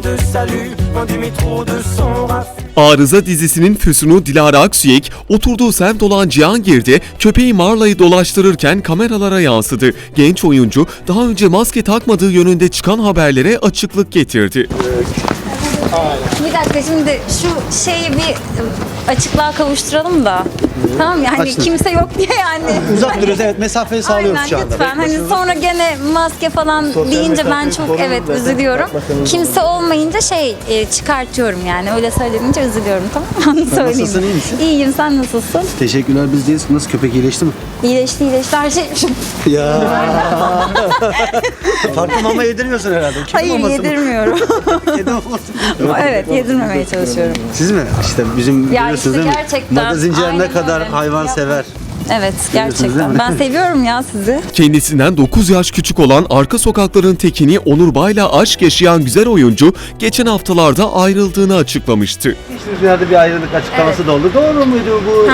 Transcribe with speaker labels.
Speaker 1: te salue, loin du métro de son raffut.
Speaker 2: Arıza dizisinin füsunu Dilara Aksüyek, oturduğu semt olan Cihangir'de köpeği Marla'yı dolaştırırken kameralara yansıdı. Genç oyuncu daha önce maske takmadığı yönünde çıkan haberlere açıklık getirdi.
Speaker 3: Bir dakika, şimdi şu şeyi bir açıklığa kavuşturalım da. Tamam yani
Speaker 4: Açtım.
Speaker 3: kimse yok diye yani.
Speaker 4: Uzak duruyoruz, evet, mesafeyi sağlıyoruz
Speaker 3: Aynen,
Speaker 4: şu anda.
Speaker 3: lütfen. Hani sonra gene maske falan deyince ben çok üzülüyorum. Kimse olmayınca çıkartıyorum yani. Öyle söylenince üzülüyorum, tamam mı? Onu söyleyeyim.
Speaker 4: Nasılsın, iyi misin?
Speaker 3: İyiyim, sen nasılsın?
Speaker 4: Teşekkürler, biz deyiz. Nasıl, köpek iyileşti mi?
Speaker 3: İyileşti her şey.
Speaker 4: Ya. Farklı mama yedirmiyorsun herhalde. Kedi
Speaker 3: Hayır,
Speaker 4: maması mı?
Speaker 3: yedirmiyorum.
Speaker 4: Kedi maması.
Speaker 3: Evet, yedirmemeye çalışıyorum.
Speaker 4: Siz mi? İşte bizim
Speaker 3: Ya
Speaker 4: biliyorsunuz
Speaker 3: işte
Speaker 4: değil mi?
Speaker 3: gerçekten,
Speaker 4: Magazinciler ne
Speaker 3: aynen
Speaker 4: kadar
Speaker 3: öyle.
Speaker 4: hayvan sever.
Speaker 3: Evet,
Speaker 4: değil mi?
Speaker 3: gerçekten. Ben seviyorum ya sizi.
Speaker 2: Kendisinden 9 yaş küçük olan Arka Sokakların tekini Onur Bay'la aşk yaşayan güzel oyuncu geçen haftalarda ayrıldığını açıklamıştı.
Speaker 4: Geçtiğimiz günlerde bir ayrılık açıklaması da oldu. Doğru muydu bu?